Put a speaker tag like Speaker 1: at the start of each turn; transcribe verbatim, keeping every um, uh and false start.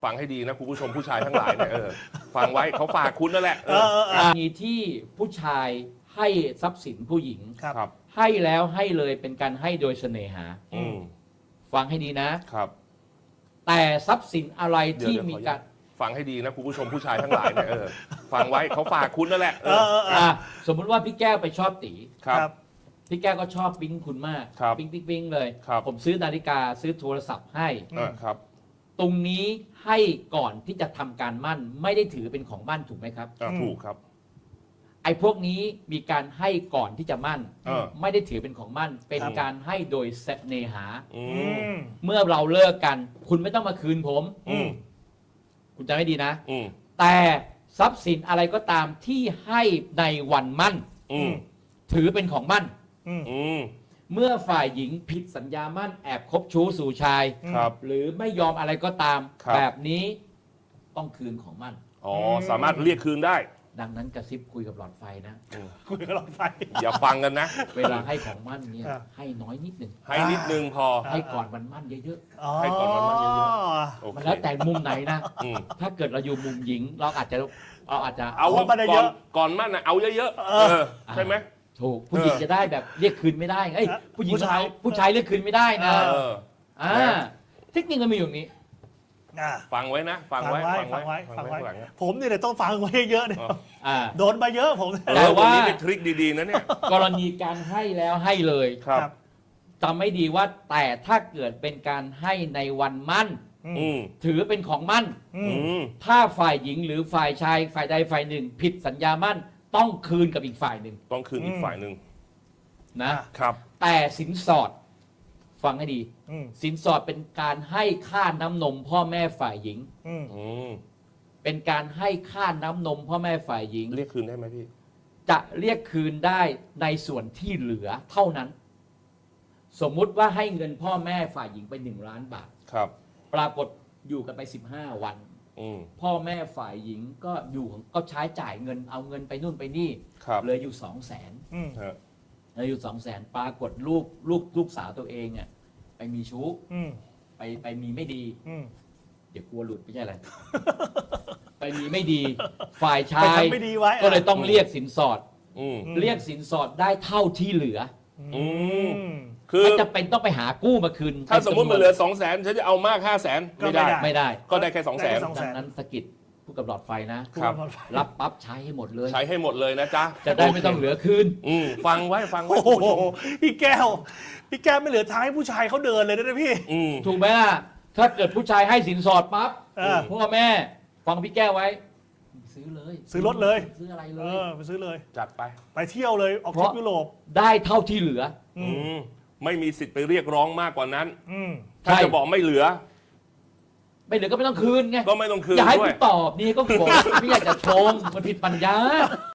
Speaker 1: ฟังให้ดีนะคุณผู้ชมผู้ชายทั้งหลายเนี่ยเออฟังไว้เขาฝากคุณนั่นแหละ
Speaker 2: เออเออเออ
Speaker 3: มีที่ผู้ชายให้ทรัพย์สินผู้หญิง
Speaker 2: ครับ
Speaker 1: ครับ
Speaker 3: ให้แล้วให้เลยเป็นการให้โดยเสน่หา
Speaker 1: อืม
Speaker 3: ฟังให้ดีนะ
Speaker 1: ครับ
Speaker 3: แต่ทรัพย์สินอะไรที่
Speaker 1: เดี๋ยว
Speaker 3: มีการ
Speaker 1: ฟังให้ดีนะคุณผู้ชมผู้ชายทั้งหลายเนี่ยเออฟังไว้เขาฝากคุณนั่นแหละ
Speaker 2: เออเออเออ
Speaker 3: อ่ะสมมุติว่าพี่แก้วไปชอบตี
Speaker 1: ครับ
Speaker 3: พี่แก้วก็ชอบปิ๊งคุณมาก
Speaker 1: ครับ
Speaker 3: ปิ๊งปิ๊งปิ๊งเลย
Speaker 1: ครับ
Speaker 3: ผมซื้อนาฬิกาซื้อโทรศัพท์ให้
Speaker 1: เออครับ
Speaker 3: ตรงนี้ให้ก่อนที่จะทำการมั่น ไม่ได้ถือเป็นของมั่นถูกไหมครับ
Speaker 1: อ่ะถูกครับ
Speaker 3: ไอ้พวกนี้มีการให้ก่อนที่จะมั่น
Speaker 1: เออ
Speaker 3: ไม่ได้ถือเป็นของมั่น เป็น
Speaker 2: ครับ
Speaker 3: การให้โดยเสน่หา
Speaker 1: อื
Speaker 2: อื
Speaker 1: ม
Speaker 2: ม
Speaker 3: เมื่อเราเลิกกัน คุณไม่ต้องมาคืนผม
Speaker 1: อืม
Speaker 3: คุณจำให้ดีนะ
Speaker 1: อืม
Speaker 3: แต่ทรัพย์สินอะไรก็ตามที่ให้ในวันมั่น
Speaker 1: อืม
Speaker 3: ถือเป็นของมั่น
Speaker 2: อืม
Speaker 1: อืม
Speaker 3: เมื่อฝ่ายหญิงผิดสัญญามั่นแอบคบชู้สู่ชาย
Speaker 1: ครับ
Speaker 3: หรือไม่ยอมอะไรก็ตาม
Speaker 1: ครับ
Speaker 3: แบบนี้ต้องคืนของมั่น
Speaker 1: อ๋อสามารถเรียกคืนได้
Speaker 3: ดังนั้นกระซิบคุยกับหลอดไฟนะ
Speaker 1: อืม
Speaker 2: คุยกับหลอดไฟ
Speaker 1: อย่าฟังกันนะ
Speaker 3: เวลาให้ของมั่นเนี่ย
Speaker 2: อ่า
Speaker 3: ให้น้อยนิดหนึ่ง
Speaker 1: ให้นิดนึงพอ
Speaker 3: ให้ก่อนวันมั่นเยอะ
Speaker 2: อ๋อ
Speaker 1: ให้ก่อนมันมันเยอะ โอ
Speaker 3: ๆ มัน
Speaker 1: เค
Speaker 3: แล้วแต่มุมไหนนะ
Speaker 1: อืม
Speaker 3: ถ้าเกิดเราอยู่มุมหญิง เราอาจจะเราอาจจะ
Speaker 1: เอาว่า
Speaker 2: เอามาได้
Speaker 1: ก่
Speaker 2: เย
Speaker 1: อน
Speaker 2: อะ
Speaker 1: ก่อนมั่นนะเอาเยอะๆ
Speaker 2: เอ
Speaker 1: เอ
Speaker 2: อ
Speaker 1: อใช่ไหม
Speaker 3: ถูกผู้หญิง
Speaker 1: เออ
Speaker 3: จะได้แบบเรียกคืนไม่ได้เอ้ย
Speaker 2: เออ
Speaker 3: ผู้หญิง
Speaker 2: ผู้ชาย
Speaker 3: เอาผู้ชายเรียกคืนไม่ได้นะ
Speaker 1: เออ
Speaker 3: อ่าเทคนิคมันมีอยู่อย่างนี้
Speaker 2: อ่ะ
Speaker 1: ฟังไว้นะ ฟัง
Speaker 2: ฟัง
Speaker 1: ไว้
Speaker 2: ไว้ฟังไว้ฟังไว้
Speaker 1: ข้างหลังนะ
Speaker 2: ผมนี่เลยต้องฟังไว้เยอะเนี่ย
Speaker 1: อ๋อ
Speaker 3: อ่า
Speaker 2: โดนมาเยอะผมเนี่ย
Speaker 1: เอ
Speaker 3: แต่
Speaker 1: อ
Speaker 3: ว่า
Speaker 1: วันนี้เป็นทริคดีๆนะเนี่ย
Speaker 3: กรณีการให้แล้วให้เลย
Speaker 1: ครับ
Speaker 3: จำไม่ดีว่าแต่ถ้าเกิดเป็นการให้ในวันมั่น
Speaker 1: อืม
Speaker 3: ถือเป็นของมั่น
Speaker 2: อื
Speaker 1: อื
Speaker 2: ม
Speaker 1: ม
Speaker 3: ถ้าฝ่ายหญิงหรือฝ่ายชายฝ่ายใดฝ่ายหนึ่ง ผิดสัญญามั่นต้องคืนกับอีกฝ่ายหนึ่ง
Speaker 1: ต้องคืนอีกฝ่ายหนึ่ง
Speaker 3: นะ
Speaker 1: ครับ
Speaker 3: แต่สินสอดฟังให้ดี
Speaker 2: อืม
Speaker 3: สินสอดเป็นการให้ค่าน้ำนมพ่อแม่ฝ่ายหญิง
Speaker 2: อืม
Speaker 1: อืม
Speaker 3: เป็นการให้ค่าน้ำนมพ่อแม่ฝ่ายหญิง
Speaker 1: เรียกคืนได้ไหมพี่
Speaker 3: จะเรียกคืนได้ในส่วนที่เหลือเท่านั้น สมมุติว่าให้เงินพ่อแม่ฝ่ายหญิงไปหนึ่งล้านบาท
Speaker 1: ครับ
Speaker 3: ปรากฏอยู่กันไปสิบห้าวัน
Speaker 1: อืม
Speaker 3: พ่อแม่ฝ่ายหญิงก็อยู่ก็ใช้จ่ายเงินเอาเงินไปนู่นไปนี่
Speaker 1: ครับ
Speaker 3: เหลืออยู่สองแสน
Speaker 2: อืม
Speaker 1: ฮะ
Speaker 3: เหลืออยู่สองแสนปรากฏลูกลูกลูกสาวตัวเองอ่ะไปมีชู้
Speaker 2: อืม
Speaker 3: ไปไปมีไม่ดี
Speaker 2: อืม
Speaker 3: เดี๋ยวกลัวหลุดไม่ใช่อะไร ไปมีไม่ดี ฝ่ายชา
Speaker 2: ไป
Speaker 3: ย
Speaker 2: ทำไม่ดีไว้
Speaker 3: ก็เลยต้องเรียกสินสอด
Speaker 1: อืม
Speaker 3: เรียกสินสอดได้เท่าที่เหลือ
Speaker 1: อืม
Speaker 2: อืม
Speaker 1: คือ
Speaker 3: ไม่จะเป็นต้องไปหากู้มาคืน
Speaker 1: ถ้าสมมติมันเหลือสองแสนฉันจะเอามากห้าแสน
Speaker 2: ก็
Speaker 1: ไม่
Speaker 2: ไม่
Speaker 1: ได้
Speaker 2: ได้
Speaker 3: ไม่ได้
Speaker 1: ก็ได้แค่สองแสน
Speaker 2: ได้แค่สอง
Speaker 3: ดังนั้นสะกิดผู้กับหลอดไฟนะ
Speaker 1: ครับ
Speaker 3: รับปั๊บใช้ให้หมดเลย
Speaker 1: ใช้ให้หมดเลยนะจ๊ะ
Speaker 3: จะได้ไม่ต้องเหลือคืน
Speaker 1: อืมฟังไว้ฟังไว้
Speaker 2: โอ้โห
Speaker 1: คุณผู้ชม
Speaker 2: พี่แก้ว พี่แก้วไม่เหลือทางให้ผู้ชายเขาเดินเลยนะพี่
Speaker 1: อืม
Speaker 3: ถูกไหมล่ะ ถ้าเกิดผู้ชายให้สินสอดปั๊บ
Speaker 2: เออ
Speaker 3: พ่อแม่ฟังพี่แก้วไว้ ซื้อเลย
Speaker 2: ซื้อรถเลย
Speaker 3: ซื้ออะไรเล
Speaker 2: เอย อไปซื้อเลย
Speaker 1: จัดไป
Speaker 2: ไปเที่ยวเลยออกทริปยุโรป
Speaker 3: ได้เท่าที่เหลือ
Speaker 2: อื
Speaker 1: อื
Speaker 2: ม
Speaker 1: มไม่มีสิทธิ์ไปเรียกร้องมากกว่านั้น
Speaker 2: อืม
Speaker 1: ถ้าจะบอกไม่เหลือ
Speaker 3: ไม่เหลือก็ไม่ต้องคืนไง
Speaker 1: ก็ไม่ต้องคืน
Speaker 3: อย่าให้
Speaker 1: ด้ว
Speaker 3: กู
Speaker 1: ย
Speaker 3: ตอบนี่ก็บอกไม่อยากจะชงมันผิดปัญญา